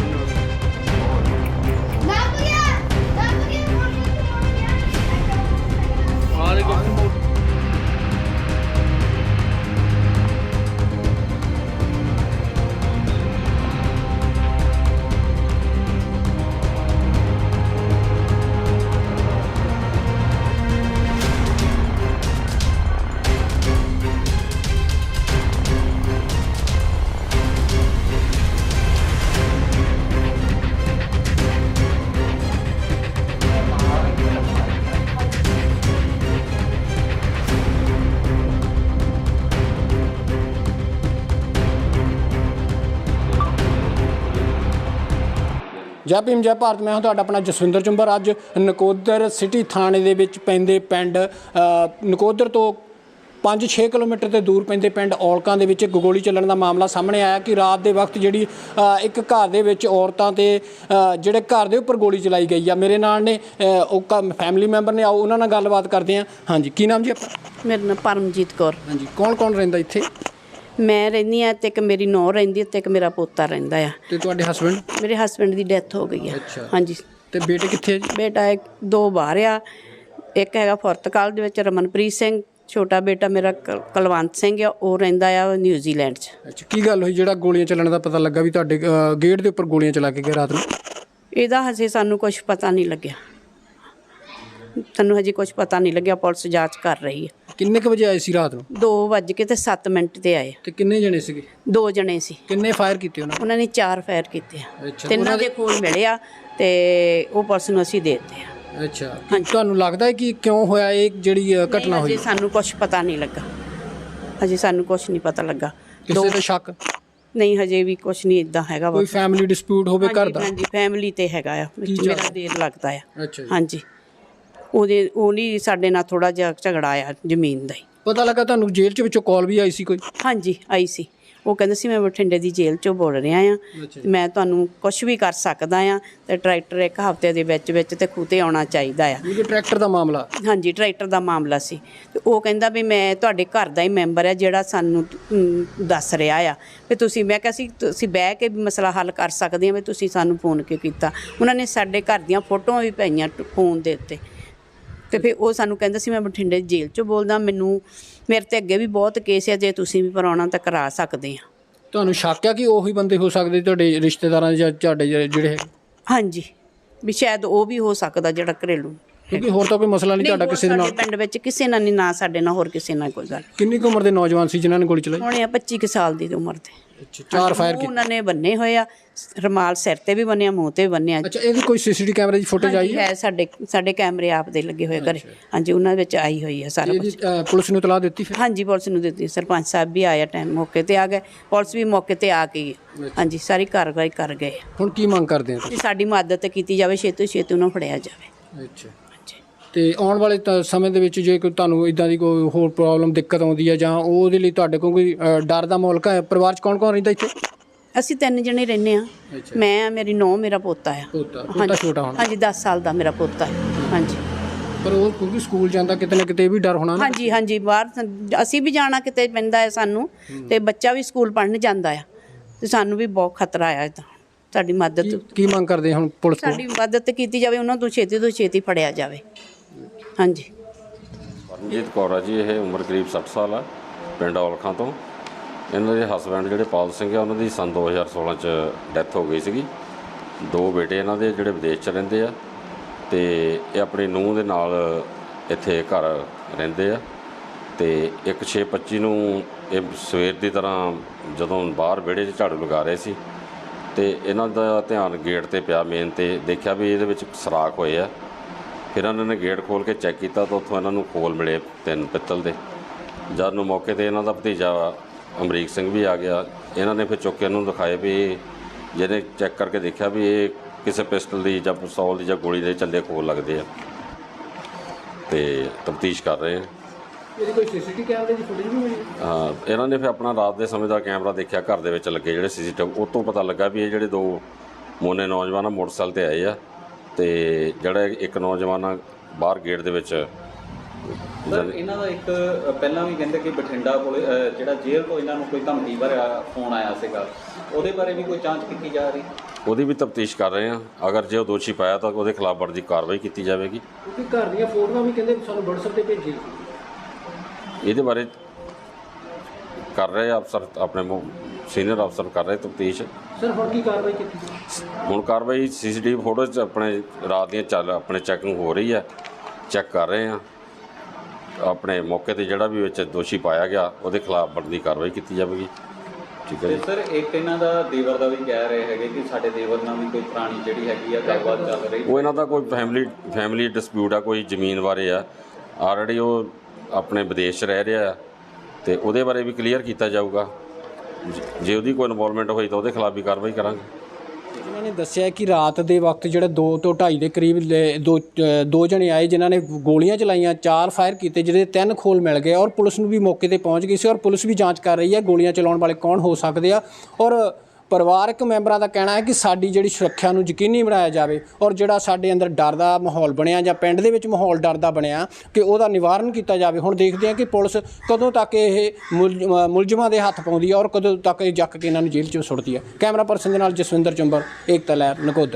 जय भीम जय भारत। मैं ਤੁਹਾਡਾ ਆਪਣਾ ਜਸਵਿੰਦਰ ਚੁੰਬਰ। ਅੱਜ ਨਕੋਦਰ ਸਿਟੀ ਥਾਣੇ ਦੇ ਵਿੱਚ ਪੈਂਦੇ ਪਿੰਡ ਨਕੋਦਰ ਤੋਂ 5-6 ਕਿਲੋਮੀਟਰ ਤੇ ਦੂਰ ਪੈਂਦੇ ਪਿੰਡ ਔਲਕਾਂ ਦੇ ਵਿੱਚ ਗੋਲੀ ਚੱਲਣ ਦਾ ਮਾਮਲਾ ਸਾਹਮਣੇ ਆਇਆ ਕਿ ਰਾਤ ਦੇ ਵਕਤ ਜਿਹੜੀ ਇੱਕ ਘਰ ਦੇ ਵਿੱਚ ਔਰਤਾਂ ਤੇ ਜਿਹੜੇ ਘਰ ਦੇ ਉੱਪਰ ਗੋਲੀ ਚਲਾਈ ਗਈ ਆ। ਮੇਰੇ ਨਾਲ ਨੇ ਉਹ ਫੈਮਿਲੀ ਮੈਂਬਰ ਨੇ, ਆਓ ਉਹਨਾਂ ਨਾਲ ਗੱਲਬਾਤ ਕਰਦੇ ਹਾਂ। ਹਾਂਜੀ, ਕੀ ਨਾਮ ਜੀ ਆਪਣਾ? ਮੇਰਾ ਨਾਮ ਪਰਮਜੀਤ ਕੌਰ। ਹਾਂਜੀ, ਕੌਣ ਕੌਣ ਰਹਿੰਦਾ ਇੱਥੇ? ਮੈਂ ਰਹਿੰਦੀ ਹਾਂ ਤੇ ਇੱਕ ਮੇਰੀ ਨੂੰਹ ਰਹਿੰਦੀ ਤੇ ਇੱਕ ਮੇਰਾ ਪੋਤਾ ਰਹਿੰਦਾ ਆ। ਤੇ ਤੁਹਾਡੇ ਹਸਬੈਂਡ? ਮੇਰੇ ਹਸਬੈਂਡ ਦੀ ਡੈਥ ਹੋ ਗਈ ਆ। ਹਾਂਜੀ। ਤੇ ਬੇਟੇ ਕਿੱਥੇ ਆ ਜੀ? ਬੇਟਾ ਦੋ ਬਾਹਰ ਆ, ਇੱਕ ਹੈਗਾ ਪੁਰਤਗਾਲ ਦੇ ਵਿੱਚ ਰਮਨਪ੍ਰੀਤ ਸਿੰਘ, ਛੋਟਾ ਬੇਟਾ ਮੇਰਾ ਕੁਲਵੰਤ ਸਿੰਘ ਆ, ਉਹ ਰਹਿੰਦਾ ਆ ਨਿਊਜ਼ੀਲੈਂਡ 'ਚ। ਅੱਛਾ, ਕੀ ਗੱਲ ਹੋਈ ਜਿਹੜਾ ਗੋਲੀਆਂ ਚੱਲਣ ਦਾ ਪਤਾ ਲੱਗਾ ਵੀ ਤੁਹਾਡੇ ਗੇਟ ਦੇ ਉੱਪਰ ਗੋਲੀਆਂ ਚਲਾ ਕੇ ਗਏ ਰਾਤ ਨੂੰ? ਇਹਦਾ ਹਜੇ ਸਾਨੂੰ ਕੁਝ ਪਤਾ ਨਹੀਂ ਲੱਗਿਆ, ਸਾਨੂੰ ਹਜੇ ਕੁਝ ਪਤਾ ਨਹੀਂ ਲੱਗਿਆ। ਪੁਲਿਸ ਜਾਂਚ ਕਰ ਰਹੀ ਹੈ। ਕਿੰਨੇ ਕੁ ਵਜੇ ਆਏ ਸੀ ਰਾਤ ਨੂੰ? 2:07 ਤੇ ਆਏ। ਤੇ ਕਿੰਨੇ ਜਣੇ ਸੀਗੇ? 2 ਜਣੇ ਸੀ। ਕਿੰਨੇ ਫਾਇਰ ਕੀਤੇ ਉਹਨਾਂ ਨੇ 4 ਫਾਇਰ ਕੀਤੇ ਆ। ਅੱਛਾ, ਤਿੰਨਾਂ ਦੇ ਖੂਨ ਮਿਲਿਆ ਤੇ ਉਹ ਪੁਲਿਸ ਨੂੰ ਅਸੀਂ ਦੇ ਦਿੱਤੇ ਆ। ਅੱਛਾ, ਤੁਹਾਨੂੰ ਲੱਗਦਾ ਹੈ ਕਿ ਕਿਉਂ ਹੋਇਆ ਇਹ ਜਿਹੜੀ ਘਟਨਾ ਹੋਈ? ਹਜੇ ਸਾਨੂੰ ਕੁਝ ਪਤਾ ਨਹੀਂ ਲੱਗਾ, ਹਜੇ ਸਾਨੂੰ ਕੁਝ ਨਹੀਂ ਪਤਾ ਲੱਗਾ। ਕਿਸੇ ਤੇ ਸ਼ੱਕ ਨਹੀਂ, ਹਜੇ ਵੀ ਕੁਝ ਨਹੀਂ ਇਦਾਂ ਹੈਗਾ। ਕੋਈ ਫੈਮਿਲੀ ਡਿਸਪਿਊਟ ਹੋਵੇ ਘਰ ਦਾ? ਹਾਂਜੀ, ਫੈਮਿਲੀ ਤੇ ਹੈਗਾ ਆ, ਮੇਰਾ ਦੇਰ ਲੱਗਦਾ ਆ। ਅੱਛਾ, ਹਾਂਜੀ। ਉਹ ਨਹੀਂ ਸਾਡੇ ਨਾਲ ਥੋੜਾ ਜਿਹਾ ਝਗੜਾ ਆ ਜ਼ਮੀਨ ਦਾ ਹੀ। ਪਤਾ ਲੱਗਾ ਤੁਹਾਨੂੰ ਜੇਲ੍ਹ 'ਚ ਵਿੱਚੋਂ ਕਾਲ ਵੀ ਆਈ ਸੀ ਕੋਈ? ਹਾਂਜੀ, ਆਈ ਸੀ। ਉਹ ਕਹਿੰਦੇ ਸੀ ਮੈਂ ਬਠਿੰਡੇ ਦੀ ਜੇਲ੍ਹ 'ਚੋਂ ਬੋਲ ਰਿਹਾ ਆ, ਮੈਂ ਤੁਹਾਨੂੰ ਕੁਝ ਵੀ ਕਰ ਸਕਦਾ ਆ ਤੇ ਟਰੈਕਟਰ ਇੱਕ ਹਫ਼ਤੇ ਦੇ ਵਿੱਚ ਤੇ ਖੂਤੇ ਆਉਣਾ ਚਾਹੀਦਾ ਆ। ਟਰੈਕਟਰ ਦਾ ਮਾਮਲਾ? ਹਾਂਜੀ, ਟਰੈਕਟਰ ਦਾ ਮਾਮਲਾ ਸੀ। ਤੇ ਉਹ ਕਹਿੰਦਾ ਵੀ ਮੈਂ ਤੁਹਾਡੇ ਘਰ ਦਾ ਹੀ ਮੈਂਬਰ ਆ ਜਿਹੜਾ ਸਾਨੂੰ ਦੱਸ ਰਿਹਾ ਆ ਵੀ ਤੁਸੀਂ। ਮੈਂ ਕਿਹਾ ਸੀ ਤੁਸੀਂ ਬਹਿ ਕੇ ਵੀ ਮਸਲਾ ਹੱਲ ਕਰ ਸਕਦੇ ਆ, ਵੀ ਤੁਸੀਂ ਸਾਨੂੰ ਫੋਨ ਕਿਉਂ ਕੀਤਾ? ਉਹਨਾਂ ਨੇ ਸਾਡੇ ਘਰ ਦੀਆਂ ਫੋਟੋਆਂ ਵੀ ਪਾਈਆਂ ਫੋਨ ਦੇ ਉੱਤੇ। ਤੇ ਫਿਰ ਉਹ ਸਾਨੂੰ ਕਹਿੰਦਾ ਸੀ ਮੈਂ ਬਠਿੰਡੇ ਜੇਲ੍ਹ 'ਚੋਂ ਬੋਲਦਾ, ਮੇਰੇ ਤੇ ਅੱਗੇ ਵੀ ਬਹੁਤ ਕੇਸ ਆ, ਜੇ ਤੁਸੀਂ ਵੀ ਕਰਾਉਣਾ ਤਾਂ ਕਰਾ ਸਕਦੇ ਆ। ਤੁਹਾਨੂੰ ਸ਼ੱਕ ਆ ਕਿ ਉਹੀ ਬੰਦੇ ਹੋ ਸਕਦੇ ਤੁਹਾਡੇ ਰਿਸ਼ਤੇਦਾਰਾਂ ਜਾਂ ਤੁਹਾਡੇ ਜਿਹੜੇ? ਹਾਂਜੀ, ਵੀ ਸ਼ਾਇਦ ਉਹ ਵੀ ਹੋ ਸਕਦਾ ਜਿਹੜਾ ਘਰੇਲੂ। ਕਿਉਂਕਿ ਹੋਰ ਤਾਂ ਕੋਈ ਮਸਲਾ ਨਹੀਂ ਤੁਹਾਡਾ ਕਿਸੇ ਦੇ ਨਾਲ? ਪਿੰਡ ਵਿੱਚ ਕਿਸੇ ਨਾਲ ਨਹੀਂ, ਨਾ ਸਾਡੇ ਨਾਲ ਹੋਰ ਕਿਸੇ ਨਾਲ ਕੋਈ ਗੱਲ। ਕਿੰਨੀ ਕੁ ਉਮਰ ਦੇ ਨੌਜਵਾਨ ਸੀ ਜਿਨ੍ਹਾਂ ਨੇ ਗੋਲੀ ਚਲਾਈ? ਹੋਣੇ ਆ 25 ਕੁ ਸਾਲ ਦੀ ਉਮਰ ਦੇ। ਅੱਛਾ, 4 ਫਾਇਰ ਕੀਤੇ ਉਹਨਾਂ ਨੇ ਬੰਨੇ ਹੋਏ ਆ, ਰੁਮਾਲ ਸਿਰ ਤੇ ਵੀ ਬੰਨਿਆ, ਮੂੰਹ ਤੇ ਵੀ ਬੰਨਿਆ। ਅੱਛਾ, ਇਹਦੀ ਕੋਈ ਸੀਸੀਟੀਵੀ ਕੈਮਰੇ ਦੀ ਫੁਟੇਜ ਆਈ ਹੈ? ਸਾਡੇ ਕੈਮਰੇ ਆਪ ਦੇ ਲੱਗੇ ਹੋਏ ਘਰੇ। ਹਾਂਜੀ, ਉਹਨਾਂ ਵਿੱਚ ਆਈ ਹੋਈ ਹੈ ਸਾਰਾ ਕੁਝ। ਪੁਲਿਸ ਨੂੰ ਇਤਲਾਹ ਦਿੱਤੀ ਫਿਰ? ਹਾਂਜੀ, ਪੁਲਿਸ ਨੂੰ ਦਿੱਤੀ। ਸਰਪੰਚ ਸਾਹਿਬ ਵੀ ਆਇਆ, ਟਾਈਮ ਮੌਕੇ ਤੇ ਆ ਗਏ, ਪੁਲਿਸ ਵੀ ਮੌਕੇ ਤੇ ਆ ਗਈ। ਹਾਂਜੀ, ਸਾਰੀ ਕਾਰਵਾਈ ਕਰ ਗਏ। ਹੁਣ ਕੀ ਮੰਗ ਕਰਦੇ ਹੋ? ਸਾਡੀ ਮਦਦ ਕੀਤੀ ਜਾਵੇ, ਛੇਤੀ ਛੇਤੀ ਉਹਨੂੰ ਫੜਿਆ ਜਾਵੇ। ਅੱਛਾ, ਤੇ ਆਉਣ ਵਾਲੇ ਸਮੇਂ ਦੇ ਵਿੱਚ ਜੇ ਕੋਈ ਤੁਹਾਨੂੰ ਇਦਾਂ ਦੀ ਕੋਈ ਹੋਰ ਪ੍ਰੋਬਲਮ ਦਿੱਕਤ ਆਉਂਦੀ ਹੈ ਜਾਂ ਉਹਦੇ ਲਈ ਤੁਹਾਡੇ ਕੋਲ ਕੋਈ ਡਰ ਦਾ ਮਾਹੌਲ ਹੈ? ਪਰਿਵਾਰ 'ਚ ਕੌਣ ਕੌਣ ਰਹਿੰਦਾ ਇੱਥੇ? ਅਸੀਂ 3 ਜਣੇ ਰਹਿੰਦੇ ਹਾਂ। ਮੈਂ, ਮੇਰੀ ਨੂੰਹ, ਮੇਰਾ ਪੋਤਾ ਆ। ਪੋਤਾ ਛੋਟਾ ਹੋਣਾ? ਹਾਂਜੀ, 10 ਸਾਲ ਦਾ ਮੇਰਾ ਪੋਤਾ ਹੈ। ਹਾਂਜੀ, ਪਰ ਉਹ ਕਿਉਂਕਿ ਸਕੂਲ ਜਾਂਦਾ ਕਿਤੇ ਨਾ ਕਿਤੇ ਵੀ ਡਰ ਹੋਣਾ ਨਾ? ਹਾਂਜੀ ਹਾਂਜੀ, ਬਾਹਰ ਅਸੀਂ ਵੀ ਜਾਣਾ ਕਿਤੇ ਪੈਂਦਾ ਹੈ ਸਾਨੂੰ, ਤੇ ਬੱਚਾ ਵੀ ਸਕੂਲ ਪੜ੍ਹਨ ਜਾਂਦਾ ਆ, ਤੇ ਸਾਨੂੰ ਵੀ ਬਹੁਤ ਖਤਰਾ ਆ। ਇੱਦਾਂ ਸਾਡੀ ਮਦਦ ਕੀ ਮੰਗ ਕਰਦੇ ਹੁਣ ਪੁਲਿਸ ਕੋਲ? ਸਾਡੀ ਮਦਦ ਕੀਤੀ ਜਾਵੇ, ਉਹਨਾਂ ਤੋਂ ਛੇਤੀ ਫੜਿਆ ਜਾਵੇ। ਹਾਂਜੀ। ਪਰਮਜੀਤ ਕੌਰ ਆ ਜੀ, ਇਹ ਉਮਰ ਕਰੀਬ 60 ਸਾਲ ਆ, ਪਿੰਡ ਔਲਖਾਂ ਤੋਂ। ਇਹਨਾਂ ਦੇ ਹਸਬੈਂਡ ਜਿਹੜੇ ਪਾਲ ਸਿੰਘ ਆ, ਉਹਨਾਂ ਦੀ ਸੰਨ 2016 'ਚ ਡੈਥ ਹੋ ਗਈ ਸੀਗੀ। 2 ਬੇਟੇ ਇਹਨਾਂ ਦੇ ਜਿਹੜੇ ਵਿਦੇਸ਼ 'ਚ ਰਹਿੰਦੇ ਆ, ਤੇ ਇਹ ਆਪਣੀ ਨੂੰਹ ਦੇ ਨਾਲ ਇੱਥੇ ਘਰ ਰਹਿੰਦੇ ਆ। ਤੇ ਇੱਕ 6/25 ਨੂੰ ਇਹ ਸਵੇਰ ਦੀ ਤਰ੍ਹਾਂ ਜਦੋਂ ਬਾਹਰ ਵਿਹੜੇ 'ਚ ਝਾੜੂ ਲਗਾ ਰਹੇ ਸੀ, ਤੇ ਇਹਨਾਂ ਦਾ ਧਿਆਨ ਗੇਟ 'ਤੇ ਪਿਆ ਮੇਨ 'ਤੇ, ਦੇਖਿਆ ਵੀ ਇਹਦੇ ਵਿੱਚ ਸੁਰਾਖ ਹੋਏ ਆ। ਫਿਰ ਇਹਨਾਂ ਨੇ ਗੇਟ ਖੋਲ੍ਹ ਕੇ ਚੈੱਕ ਕੀਤਾ ਤਾਂ ਉੱਥੋਂ ਇਹਨਾਂ ਨੂੰ ਖੋਲ ਮਿਲੇ 3 ਪਿੱਤਲ ਦੇ। ਜਦ ਨੂੰ ਮੌਕੇ 'ਤੇ ਇਹਨਾਂ ਦਾ ਭਤੀਜਾ ਅਮਰੀਕ ਸਿੰਘ ਵੀ ਆ ਗਿਆ। ਇਹਨਾਂ ਨੇ ਫਿਰ ਚੁੱਕ ਕੇ ਇਹਨੂੰ ਦਿਖਾਏ ਵੀ ਜਿਹਨੇ ਚੈੱਕ ਕਰਕੇ ਦੇਖਿਆ ਵੀ ਇਹ ਕਿਸੇ ਪਿਸਟਲ ਦੀ ਜਾਂ ਪਿਸਤੌਲ ਦੀ ਜਾਂ ਗੋਲੀ ਦੇ ਚੱਲੇ ਖੋਲ ਲੱਗਦੇ ਆ, ਤੇ ਤਫਤੀਸ਼ ਕਰ ਰਹੇ ਆ। ਇਹਦੀ ਕੋਈ ਸੀਸੀਟੀਵੀ ਕੈਮਰੇ ਦੀ ਫੁਟੇਜ ਵੀ ਮਿਲੀ? ਹਾਂ, ਇਹਨਾਂ ਨੇ ਫਿਰ ਆਪਣਾ ਰਾਤ ਦੇ ਸਮੇਂ ਦਾ ਕੈਮਰਾ ਦੇਖਿਆ ਘਰ ਦੇ ਵਿੱਚ ਲੱਗੇ ਜਿਹੜੇ ਸੀਸੀਟੀਵੀ, ਉਹ ਤੋਂ ਪਤਾ ਲੱਗਾ ਵੀ ਇਹ ਜਿਹੜੇ 2 ਮੋਨੇ ਨੌਜਵਾਨ ਆ ਮੋਟਰਸਾਈਕਲ 'ਤੇ ਆਏ ਆ, ਤੇ ਜਿਹੜਾ ਇੱਕ ਨੌਜਵਾਨ ਆ ਬਾਹਰ ਗੇਟ ਦੇ ਵਿੱਚ ਸਰ ਇਹਨਾਂ ਦਾ ਇੱਕ ਪਹਿਲਾਂ ਵੀ ਕਹਿੰਦੇ ਕਿ ਬਠਿੰਡਾ ਕੋਲ ਜਿਹੜਾ ਜੇਲ੍ਹ ਤੋਂ ਇਹਨਾਂ ਨੂੰ ਕੋਈ ਧਮਕੀ ਭਰਿਆ ਫੋਨ ਆਇਆ ਸੀਗਾ, ਉਹਦੇ ਬਾਰੇ ਵੀ ਕੋਈ ਜਾਂਚ ਕੀਤੀ ਜਾ ਰਹੀ? ਉਹਦੀ ਵੀ ਤਫਤੀਸ਼ ਕਰ ਰਹੇ ਹਾਂ। ਅਗਰ ਜੇ ਉਹ ਦੋਸ਼ੀ ਪਾਇਆ ਤਾਂ ਉਹਦੇ ਖਿਲਾਫ ਬਣਦੀ ਕਾਰਵਾਈ ਕੀਤੀ ਜਾਵੇਗੀ। ਕਿਉਂਕਿ ਘਰ ਦੀਆਂ ਫੋਟੋਆਂ ਵੀ ਕਹਿੰਦੇ ਸਾਨੂੰ WhatsApp ਤੇ ਭੇਜੀ। ਇਹਦੇ ਬਾਰੇ ਕਰ ਰਹੇ ਅਫਸਰ, ਆਪਣੇ ਸੀਨੀਅਰ ਅਫਸਰ ਕਰ ਰਹੇ ਤਫਤੀਸ਼। ਸਰ ਹੁਣ ਕੀ ਕਾਰਵਾਈ ਕੀਤੀ? ਹੁਣ ਕਾਰਵਾਈ CCTV ਫੋਟੋ 'ਚ ਆਪਣੇ ਰਾਤ ਦੀਆਂ ਆਪਣੇ ਚੈਕਿੰਗ ਹੋ ਰਹੀ ਹੈ, ਚੈੱਕ ਕਰ ਰਹੇ ਹਾਂ। ਆਪਣੇ ਮੌਕੇ ਤੇ ਜਿਹੜਾ ਵੀ ਵਿੱਚ ਦੋਸ਼ੀ ਪਾਇਆ ਗਿਆ ਉਹਦੇ ਖਿਲਾਫ ਬਣਦੀ ਕਾਰਵਾਈ ਕੀਤੀ ਜਾਵੇਗੀ। ਠੀਕ ਹੈ ਜੀ। ਸਰ ਇੱਕ ਇਹਨਾਂ ਦਾ ਦੇਵਰ ਦਾ ਵੀ ਕਹਿ ਰਹੇ ਹੈਗੇ ਕਿ ਸਾਡੇ ਦੇਵਰ ਨਾਲ ਵੀ ਕੋਈ ਪੁਰਾਣੀ ਜਿਹੜੀ ਹੈਗੀ ਆ ਗੱਲਬਾਤ ਚੱਲ ਰਹੀ। ਉਹ ਇਹਨਾਂ ਦਾ ਕੋਈ ਫੈਮਿਲੀ ਡਿਸਪਿਊਟ ਆ, ਕੋਈ ਜ਼ਮੀਨ ਬਾਰੇ ਆ। ਆਲਰੇਡੀ ਉਹ ਆਪਣੇ ਵਿਦੇਸ਼ 'ਚ ਰਹਿ ਰਿਹਾ ਤੇ ਉਹਦੇ ਬਾਰੇ ਵੀ ਕਲੀਅਰ ਕੀਤਾ ਜਾਊਗਾ। ਜੇ ਉਹਦੀ ਕੋਈ ਇਨਵੋਲਵਮੈਂਟ ਹੋਈ ਤਾਂ ਉਹਦੇ ਖਿਲਾਫ ਵੀ ਕਾਰਵਾਈ ਕਰਾਂਗੇ। ਇਹਨਾਂ ਨੇ ਦੱਸਿਆ ਕਿ ਰਾਤ ਦੇ ਵਕਤ ਜਿਹੜਾ 2 ਤੋਂ 2:30 ਦੇ ਕਰੀਬ ਦੋ ਜਣੇ ਆਏ ਜਿਨ੍ਹਾਂ ਨੇ ਗੋਲੀਆਂ ਚਲਾਈਆਂ, 4 ਫਾਇਰ ਕੀਤੇ, ਜਿਹਦੇ 3 ਖੋਲ ਮਿਲ ਗਏ ਔਰ ਪੁਲਿਸ ਨੂੰ ਵੀ ਮੌਕੇ ਤੇ ਪਹੁੰਚ ਗਈ ਸੀ ਔਰ ਪੁਲਿਸ ਵੀ ਜਾਂਚ ਕਰ ਰਹੀ ਹੈ ਗੋਲੀਆਂ ਚਲਾਉਣ ਵਾਲੇ ਕੌਣ ਹੋ ਸਕਦੇ ਆ। ਔਰ ਪਰਿਵਾਰਕ ਮੈਂਬਰਾਂ ਦਾ ਕਹਿਣਾ ਹੈ ਕਿ ਸਾਡੀ ਜਿਹੜੀ ਸੁਰੱਖਿਆ ਨੂੰ ਯਕੀਨੀ ਬਣਾਇਆ ਜਾਵੇ ਔਰ ਜਿਹੜਾ ਸਾਡੇ ਅੰਦਰ ਡਰ ਦਾ ਮਾਹੌਲ ਬਣਿਆ ਜਾਂ ਪਿੰਡ ਦੇ ਵਿੱਚ ਮਾਹੌਲ ਡਰ ਦਾ ਬਣਿਆ ਕਿ ਉਹਦਾ ਨਿਵਾਰਨ ਕੀਤਾ ਜਾਵੇ। ਹੁਣ ਦੇਖਦੇ ਹਾਂ ਕਿ ਪੁਲਿਸ ਕਦੋਂ ਤੱਕ ਇਹ ਮੁਲਜ਼ਮਾਂ ਦੇ ਹੱਥ ਪਾਉਂਦੀ ਹੈ ਔਰ ਕਦੋਂ ਤੱਕ ਇਹ ਜੱਕ ਕੇ ਇਹਨਾਂ ਨੂੰ ਜੇਲ੍ਹ 'ਚੋਂ ਸੁੱਟਦੀ ਹੈ। ਕੈਮਰਾ ਪਰਸਨ ਦੇ ਨਾਲ ਜਸਵਿੰਦਰ ਚੁੰਬਰ, ਏਕਤਾ ਲਹਿਰ, ਨਕੋਦਰ।